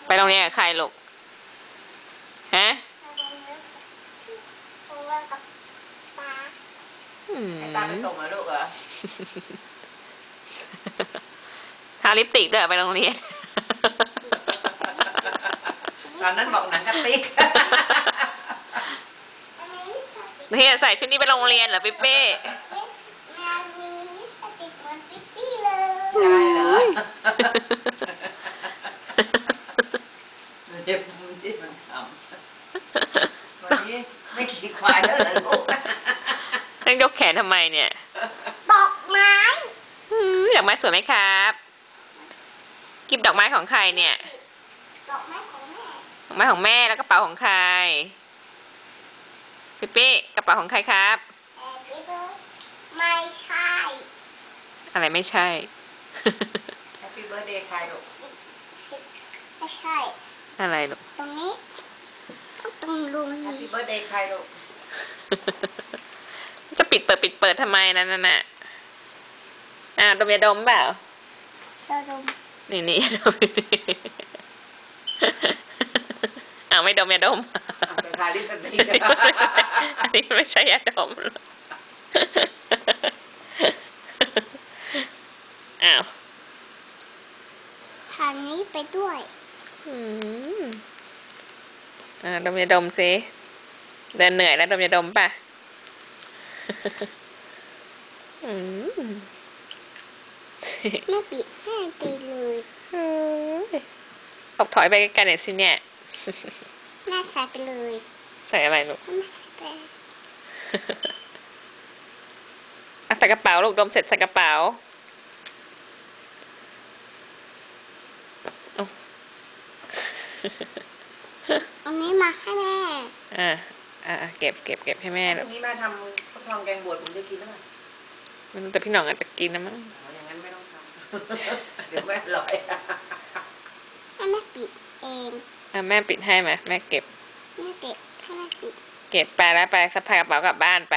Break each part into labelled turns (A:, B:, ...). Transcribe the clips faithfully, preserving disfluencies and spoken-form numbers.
A: ไปโรงเรียนกับใครลูกฮะ
B: ให้ตาไปส่งเหรอลูกเหรอ
A: ทาลิปสติกด้วยไปโรงเรียน
B: ตอนนั้นบอกหนังกระติก
A: เฮียใส่ชุดนี้ไปโรงเรียนเหรอปิ๊ปปี้
C: มีลิปสติกเหมือนปิ๊ปปี้เลย
B: ได้เหรอเจ็บมือที่มันทำวันนี้ไม่ขี่ควายแล้วเหรอลูก
A: ต้องยกแขนทำไมเนี่ย
C: ดอกไม้
A: ดอกไม้สวยไหมครับกิบดอกไม้ของใครเนี่ย
C: ดอกไม้ของแม่
A: ดอกไม้ของแม่แล้วกระเป๋าของใครปิ๊ปปี้กระเป๋าของใครครับ
C: ไม่ใช่
A: อะไรไม่ใช่
B: Happy birthday ใครลูก
C: ไม่ใช่
A: อะไรลูก
C: ตรงนี้ตรงรูนี้
B: Happy birthday ใครลูก
A: จะปิดเปิดปิดเปิดทำไมนั่นน่ะอ่าดมยาดมเปล่า
C: ดม
A: นี่นี่ดมอ้าวไม่ดมยาดม
B: จะทาลิปสติก
A: อันนี้ไม่ใช่ยาดมอ้าว
C: ทานนี้ไปด้วย
A: อืมอ่าดมยาดมสิเดินเหนื่อยแล้วดมยาดมป่ะอืม
C: ไม่ปิดให้ไปเลย
A: ออกถอยไปกันหน่อยสิเนี่ย
C: แม่ใส่ไปเลย
A: ใส่อะไรลูก
C: แม่ใส่ไป
A: ใส่กระเป๋าลูกดมเสร็จใส่กระเป๋า
C: อันนี้มาให้แม่
A: อ่าอ่าเก็บเก็บเก็บให้แม่
B: ลูกนี้มาทำฟักทองแกงบวชผมจะกินได้ไหม
A: มันแต่พี่หน่องอาจจะกินนะมั้ง
B: อย่างนั้นไม่ต้องทำเดี๋ยวแม่อร่อย
C: ให้แม่ปิดเอง
A: อ่ะแม่ปิดให้ไหมแม่เก็บ
C: แม่เก็บให้แม่ปิด
A: เก็บไปแล้วไปสะพายกระเป๋ากลับบ้านไป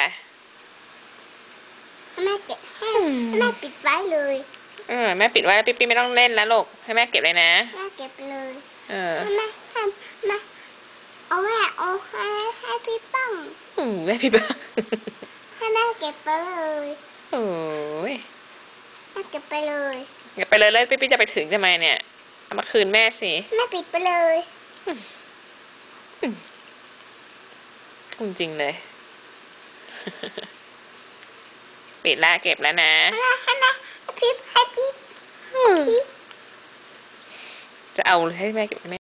C: ให้แม่เก็บให้แม่ปิดไว้เลย
A: เออแม่ปิดไว้แล้วปิ๊ปปี้ไม่ต้องเล่นแล้วลูกให้แม่เก็บเลยนะ
C: แม่เก็บเลย
A: เออ
C: ให้แม่ให้แม่เอาแม่เอาให้ให้พี่ปัง
A: อืมแม่พี่ปัง
C: ให้แม่เก็บไปเลย
A: โอ้ย
C: แม่เก็บไปเลย
A: เก็บไปเลยเลยปิ๊ปปี้จะไปถึงทำไมเนี่ยเอามาคืนแม่สิ
C: แม่ปิดไปเลย
A: จริงๆเลยปิดแล้วเก็บแล้วนะ
C: ให้แม่ให้แม่ให้พี่ให้พี่
A: จะเอาให้แม่เก็บให้แม่